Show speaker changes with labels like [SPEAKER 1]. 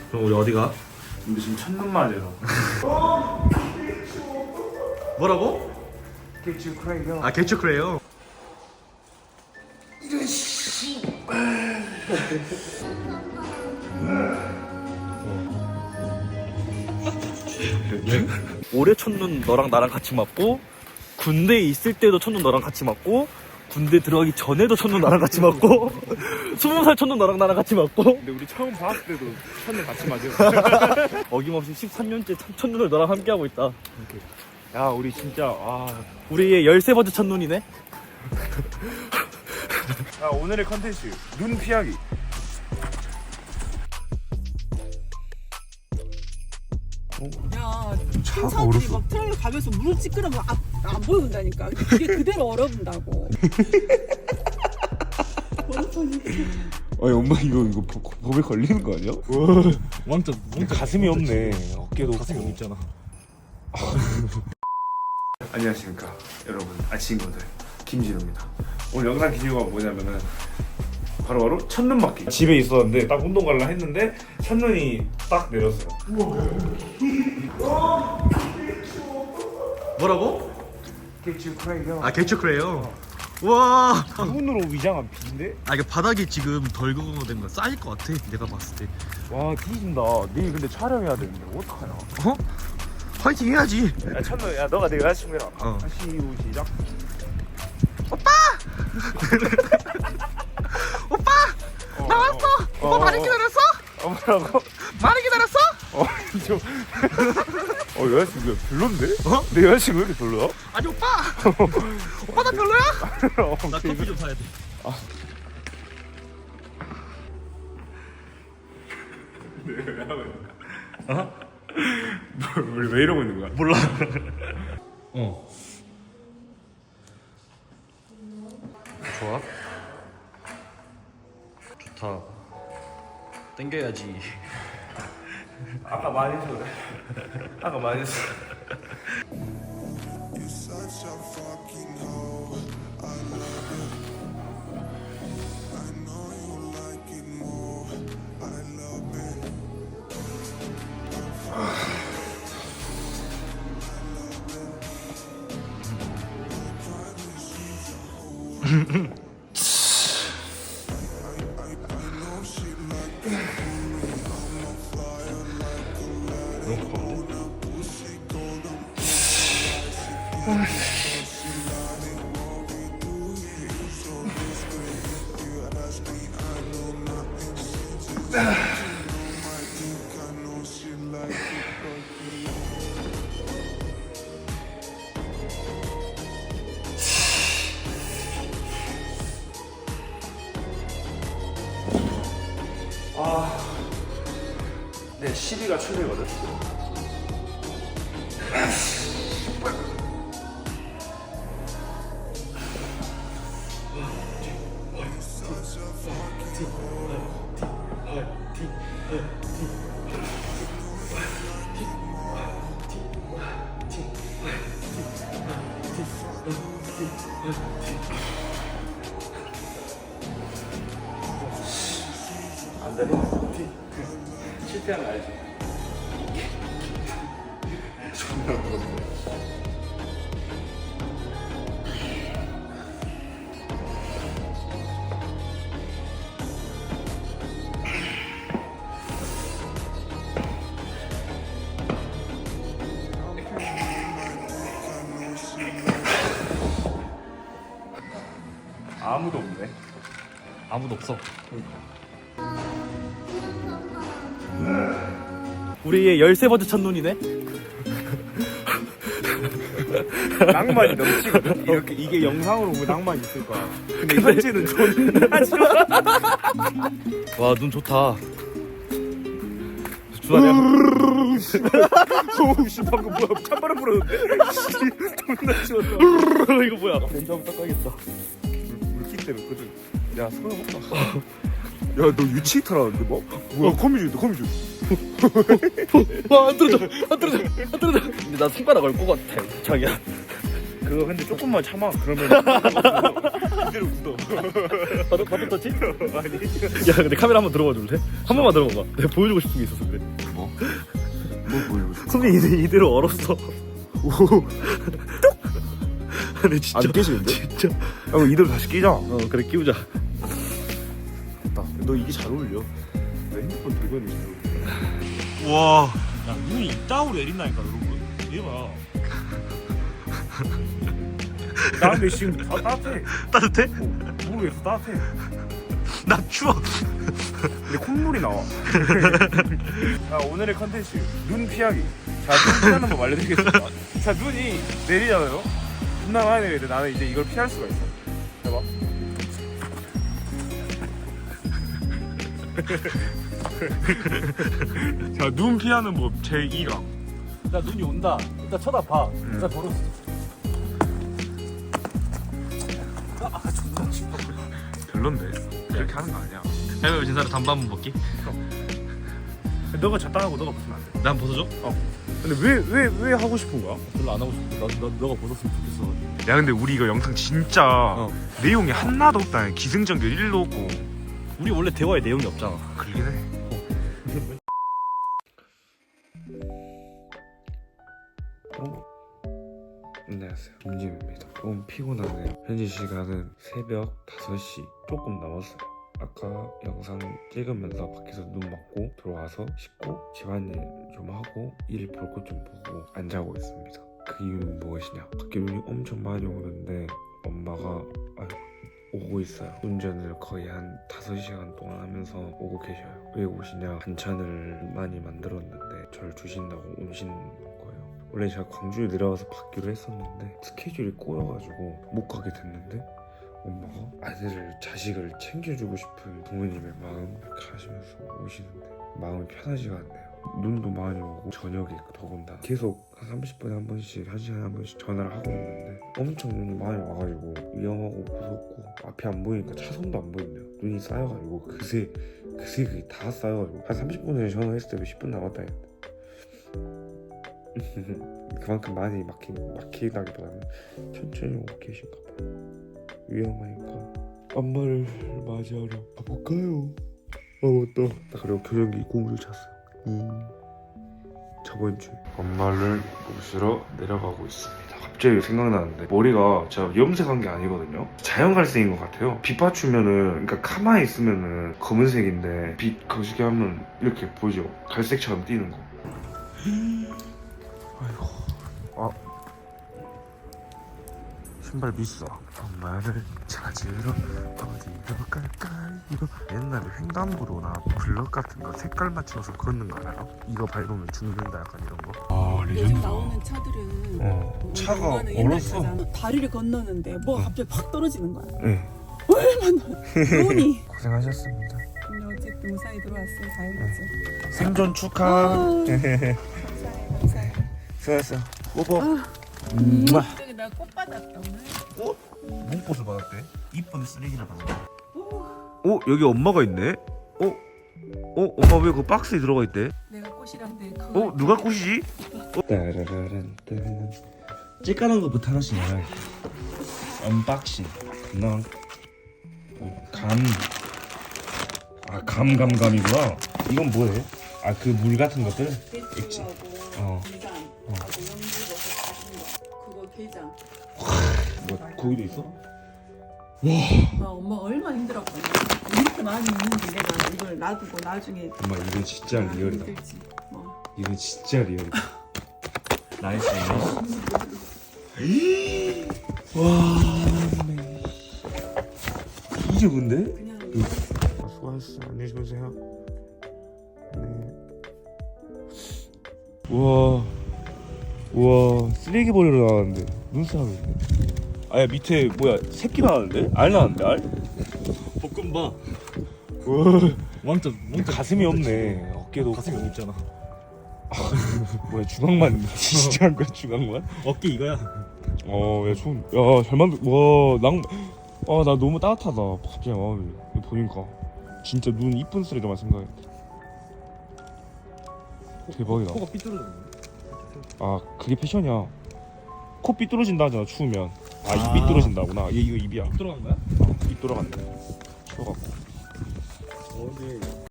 [SPEAKER 1] 그럼 우리 어디가?
[SPEAKER 2] 우리 지금 첫눈만이라서.
[SPEAKER 1] 뭐라고?
[SPEAKER 2] 개츠 크레이요.
[SPEAKER 1] 아 개츠크래요. 올해 첫눈 너랑 나랑 같이 맞고, 군대에 있을 때도 첫눈 너랑 같이 맞고, 군대 들어가기 전에도 첫눈 나랑 같이 맞고, 20살 첫눈 너랑 나랑 같이 맞고,
[SPEAKER 2] 근데 우리 처음 봤을 때도 첫눈 같이 맞아.
[SPEAKER 1] 어김없이 13년째 첫눈을 너랑 함께하고 있다.
[SPEAKER 2] 야, 우리 진짜
[SPEAKER 1] 우리의 13번째 첫눈이네.
[SPEAKER 2] 야, 오늘의 컨텐츠 눈 피하기.
[SPEAKER 3] 야,
[SPEAKER 2] 차가
[SPEAKER 3] 행사들이
[SPEAKER 2] 얼었어.
[SPEAKER 3] 막 트럭을 가면서 물을 찌끄러면 안 보여준다니까. 그게 그대로 얼어붙는다고.
[SPEAKER 2] 아니 엄마 이거 법에 걸리는 거 아니야?
[SPEAKER 1] 완전
[SPEAKER 2] 가슴이 없네. 어깨도
[SPEAKER 1] 가슴이
[SPEAKER 2] 없고.
[SPEAKER 1] 없잖아.
[SPEAKER 2] 안녕하십니까 여러분, 친구들, 김진우입니다. 오늘 영상 기준가 뭐냐면은 바로 첫눈 맞기. 집에 있었는데 딱 운동 가려 했는데 첫눈이 딱 내렸어요.
[SPEAKER 1] 뭐라고?
[SPEAKER 2] 개츠 크레이요.
[SPEAKER 1] 아 개츠크래요. 와.
[SPEAKER 2] 눈으로 위장한 비인데?
[SPEAKER 1] 아 이게 바닥이 지금 덜 그거된 거 쌓일 것 같아. 내가 봤을 때.
[SPEAKER 2] 와 뒤진다. 내일 근데 촬영해야 되는데 어떡하냐.
[SPEAKER 1] 어? 파이팅 해야지.
[SPEAKER 2] 야 첫눈, 야 너가 내 여자친구 해라.
[SPEAKER 1] 어.
[SPEAKER 2] 다시 시작.
[SPEAKER 1] 오빠 나왔어. 오빠 많이 기다렸어?
[SPEAKER 2] 뭐라고?
[SPEAKER 1] 많이 기다렸어?
[SPEAKER 2] 여자친구 별론데?
[SPEAKER 1] 어?
[SPEAKER 2] 내 여자친구 왜 이렇게 별로야?
[SPEAKER 1] 아니 오빠. 오빠 나 별로야? 나 커피 좀 사야 돼.
[SPEAKER 2] 우리 왜 이러고 있는 거야?
[SPEAKER 1] 몰라. 어. 좋아. 좋다. 땡겨야지.
[SPEAKER 2] 아까 많이 했어 그래. 아까 많이 했어.
[SPEAKER 4] Such a fucking hoe. I love it. I know you like it more. I love it. I know she like it. I'm a fire like a lighter. On a pussy golden. She lied it what we do here. You so discreet. You ask me, I know nothing. She just my dick. I know she like it.
[SPEAKER 2] 내 시비가 최대거든. 안 돼. 실패한 거 알지? 존나 무섭네. 아무도 없네.
[SPEAKER 1] 아무도 없어. 우리의 13번째 첫눈이네.
[SPEAKER 2] 낭만이 넘치거든. 이렇게 이게 영상으로 보면 낭만이 있을 거야. 근데 현지는 존나 싫어.
[SPEAKER 1] 와 눈 좋다. 주아야.
[SPEAKER 2] 씨 방금 뭐야? 찬바람 불었는데? 존나 치웠어.
[SPEAKER 1] 이거 뭐야? 렌즈 한번 닦아야겠다.
[SPEAKER 2] 물기 때문에 거든. 야 소용없다. 야 너 유치히터라는데 뭐? 뭐야 거미줄이다 거미줄.
[SPEAKER 1] 와안 떨어져. 안 떨어져. 안 떨어져. 근데 나 손가락 얽고 같아. 자기야.
[SPEAKER 2] 그거 근데 조금만 참아. 그러면 이대로 굳어.
[SPEAKER 1] 바둑 터치? 아니. 야 근데 카메라 한번 들어봐 줄래? 한 번만 들어봐봐. 내가 보여주고 싶은 게 있어서 그래.
[SPEAKER 2] 뭐 보여주고 싶어?
[SPEAKER 1] 손이 이대로 얼었어. 오. 근데 진짜.
[SPEAKER 2] 안 깨지는데?
[SPEAKER 1] 진짜.
[SPEAKER 2] 야, 그럼 이대로 다시 끼자.
[SPEAKER 1] 그래 끼우자.
[SPEAKER 2] 됐다. 너 이게 잘 어울려. 내 핸드폰 들고 있는 게 잘 어울려.
[SPEAKER 1] 와.
[SPEAKER 2] 야, 눈이 이따구로 내린다니까, 여러분. 얘봐. 나 근데 지금 따뜻해.
[SPEAKER 1] 따뜻해?
[SPEAKER 2] 모르겠어, 따뜻해.
[SPEAKER 1] 나 추워.
[SPEAKER 2] 근데 콧물이 나와. 자, 오늘의 컨텐츠 눈 피하기. 자, 눈 피하는 법 알려드리겠습니다. 자, 눈이 내리잖아요. 존나 많이 내리는데 나는 이제 이걸 피할 수가 있어. 해봐. 자, 눈 피하는 법 제2강.
[SPEAKER 1] 나 눈이 온다. 일단 쳐다봐. 일단 걸었어.
[SPEAKER 2] 별론데. 그렇게 하는 거 아니야.
[SPEAKER 1] 해외 진사를 담배 한번 먹기?
[SPEAKER 2] 너가 잤다 하고 너가 벗으면 안 돼.
[SPEAKER 1] 난 벗어줘?
[SPEAKER 2] 근데 왜 하고 싶은 거야?
[SPEAKER 1] 별로 안 하고 싶어. 너가 벗었으면 좋겠어.
[SPEAKER 2] 야, 근데 우리 이거 영상 진짜 내용이 하나도 없다. 기승전결 1도 없고.
[SPEAKER 1] 우리 원래 대화에 내용이 없잖아.
[SPEAKER 2] 그러긴 해. 안녕하세요, 김진우입니다. 너무 피곤하네요. 현재 시간은 새벽 5시 조금 넘었어요. 아까 영상 찍으면서 밖에서 눈 맞고 들어와서 씻고 집안일 좀 하고 일 볼 것 좀 보고 안 자고 있습니다. 그 이유는 무엇이냐? 밖에 눈이 엄청 많이 오는데 엄마가 오고 있어요. 운전을 거의 한 5시간 동안 하면서 오고 계셔요. 왜 오시냐? 반찬을 많이 만들었는데 저를 주신다고 오시는 거예요. 원래 제가 광주에 내려와서 받기로 했었는데 스케줄이 꼬여가지고 못 가게 됐는데 엄마가 아들을, 자식을 챙겨주고 싶은 부모님의 마음 이렇게 하시면서 오시는데 마음이 편하지가 않네요. 눈도 많이 오고 저녁에 더군다나 계속 한 30분에 한 번씩, 1시간에 한 번씩 전화를 하고 있는데 엄청 눈이 많이 와가지고 위험하고 무섭고 앞이 안 보이니까 차선도 안 보이네요. 눈이 쌓여가지고 그새 그게 다 쌓여가지고 한 30분 전에 전화했을 때 10분 남았다 했는데 그만큼 많이 막히다기보다는 천천히 오고 계신가 봐요. 위험하니까 엄마를 맞이하러 가볼까요? 맞다. 그리고 교정기 고무줄 찼어요. 저번 주에 엄마를 모시러 내려가고 있습니다. 갑자기 생각나는데 머리가 제가 염색한 게 아니거든요. 자연갈색인 것 같아요. 빛 받추면은, 그러니까 가만히 있으면은 검은색인데 빛 거시게 하면 이렇게 보이죠? 갈색처럼 띄는 거. 아이고. 신발 비싸. 엄마를 찾으러 어디로 갈까요? 옛날에 횡단보도나 블럭 같은 거 색깔 맞춰서 걷는 거 알아요? 이거 밟으면 죽는다 약간 이런 거.
[SPEAKER 3] 요즘 나오는 차들은
[SPEAKER 2] 차가
[SPEAKER 3] 얼마나 옛날
[SPEAKER 2] 얼었어.
[SPEAKER 3] 차잖아. 다리를 건너는데 뭐가 갑자기 팍 떨어지는 거야.
[SPEAKER 2] 네.
[SPEAKER 3] 얼마나 눈이.
[SPEAKER 2] 고생하셨습니다.
[SPEAKER 3] 근데 어쨌든 무사히 들어왔어요. 다행이지.
[SPEAKER 2] 생존 축하.
[SPEAKER 3] 감사해.
[SPEAKER 2] 수고했어. 뽀뽀.
[SPEAKER 3] 저기 나 꽃 받았다 오늘.
[SPEAKER 1] 뭔 꽃을 받았대? 이쁜 쓰레기를 받았대.
[SPEAKER 2] 여기 엄마가 있네. 엄마 왜 그 박스에 들어가 있대?
[SPEAKER 3] 내가 꽃이란데.
[SPEAKER 2] 누가 꽃이지?
[SPEAKER 1] 찌까는 것부터 하나씩 열어야겠다. 언박싱. 감이구나. 이건 뭐해? 그 물 같은 것들? 있지.
[SPEAKER 3] 미간, 연두버섯 같은 거. 그거 게장.
[SPEAKER 1] 뭐 거기도 있어?
[SPEAKER 3] 엄마 얼마나 힘들었거든. 이렇게 많이 있는데 내가 이걸 놔두고 나중에.
[SPEAKER 2] 엄마 이건 진짜 리얼이다.
[SPEAKER 3] 힘들지.
[SPEAKER 2] 이건 진짜 리얼이다.
[SPEAKER 1] 나이스.
[SPEAKER 2] 이게 뭔데?
[SPEAKER 3] 그냥
[SPEAKER 2] 수고하셨어. 안녕히 주무세요. 네. 우와, 쓰레기 버리러 나왔는데 눈싸움이 있네. 아야, 밑에 뭐야, 새끼 나왔는데? 알 나왔는데, 알?
[SPEAKER 1] 볶음밥.
[SPEAKER 2] 우와,
[SPEAKER 1] 왕점.
[SPEAKER 2] 가슴이 없네. 어깨도
[SPEAKER 1] 가슴이 여기 있잖아.
[SPEAKER 2] 뭐야, 중앙만 진짜 한 거야, 중앙만?
[SPEAKER 1] 어깨 이거야.
[SPEAKER 2] 야, 잘 만들. 나 너무 따뜻하다. 갑자기 마음이 이거 보니까 진짜 눈 이쁜 쓰레기만 생각했다. 대박이다.
[SPEAKER 1] 코가 삐뚤어졌네.
[SPEAKER 2] 그게 패션이야. 코 삐뚤어진다 하잖아 추우면. 아, 입 삐뚤어진다구나. 얘 이거 입이야.
[SPEAKER 1] 들어간 거야?
[SPEAKER 2] 입 돌아갔네. 추워갖고.
[SPEAKER 1] 오늘